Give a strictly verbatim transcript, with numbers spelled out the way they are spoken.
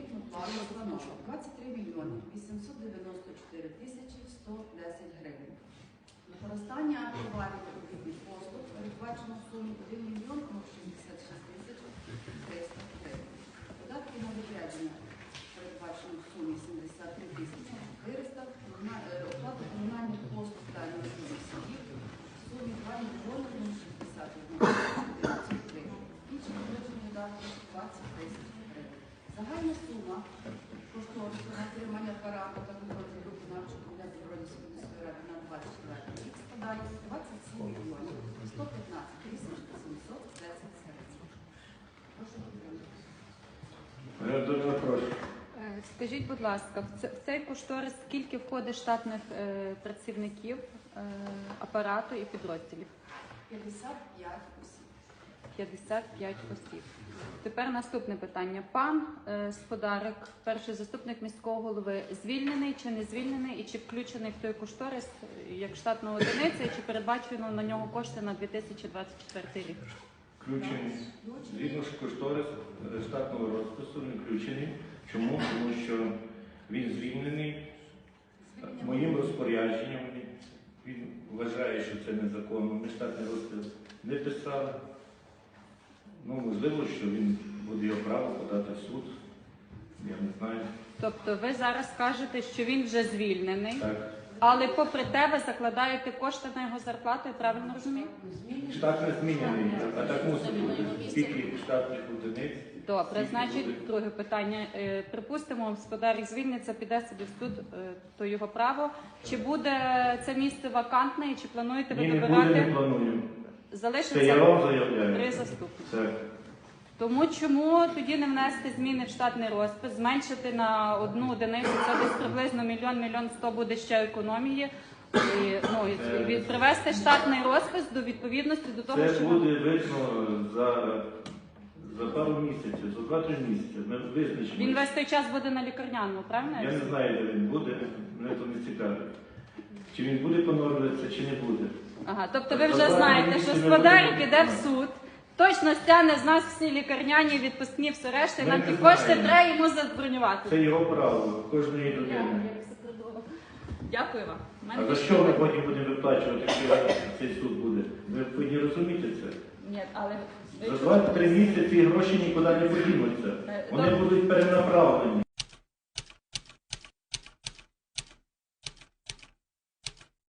заробітну плату становить двадцять три мільйони вісімсот дев'яносто чотири тисячі сто десять гривень. Використання товарів та робітних послуг передбачено в сумі один мільйон шістдесят шість тисяч триста гривень. Податки на відрядження передбачено в сумі сімдесят три тисячі чотириста, оплату комунальних послуг та інвестиційних садів в сумі два мільйони шістдесят одна тисяча гривень. Інші бюджетні видатки двадцять тисяч гривень. Загальна сума кошторису на отримання апарату та контролю виконавчого комітету Бродівської міської ради на двадцять четвертий рік складає двадцять сім мільйонів сто п'ятнадцять тисяч сімсот десять гривень. Прошу підтримати. Скажіть, будь ласка, в цей кошторис скільки входить штатних е, працівників е, апарату і підрозділів? п'ятдесят п'ять осіб. п'ятдесят п'ять осіб. Тепер наступне питання. Пан е, Сподарик, перший заступник міського голови, звільнений чи не звільнений і чи включений в той кошторис як штатна одиниця, і чи передбачено на нього кошти на дві тисячі двадцять четвертий рік? Включений. Згідно з кошторис штатного розпису не включений. Чому? Тому що він звільнений моїм розпорядженням. Він вважає, що це незаконно. Ми штатний розпис не писали. Ну, можливо, що він буде його право подати в суд. Я не знаю. Тобто ви зараз кажете, що він вже звільнений, так. Але попри те ви закладаєте кошти на його зарплату, я правильно розумію? Штат не змінений, а так мусить бути. Скільки штатних одиниць? Добре, значить, друге питання. Припустимо, господар звільниться, піде собі в суд, то його право. Чи буде це місце вакантне і чи плануєте ви Ні, добирати? Не буде, не планую. Залишиться це я вам заявляю. Три заступники. Так. Тому чому тоді не внести зміни в штатний розпис, зменшити на одну одиницю, це десь приблизно мільйон, мільйон сто буде ще економії, і, ну, і привести штатний розпис до відповідності до того, це що... Це буде видно за, за пару місяців, за два-три місяці. Ми визначимо. Він весь той час буде на лікарняному, правильно? Я не знаю, де він буде, мене то не цікавить. Чи він буде поновлюватися, чи не буде. Ага, тобто ви вже знаєте, що Сподарик іде в суд, точно стягне з нас всі лікарняні, відпускні, все решта, і нам ті кошти треба йому забронювати. Це його право, кожної людини. Дякую вам. А за що ми потім будемо виплачувати, якщо цей суд буде? Ви повинні розуміти це. Ні, але... За два-три місяці гроші нікуди не подінуться. Вони будуть перенаправлені.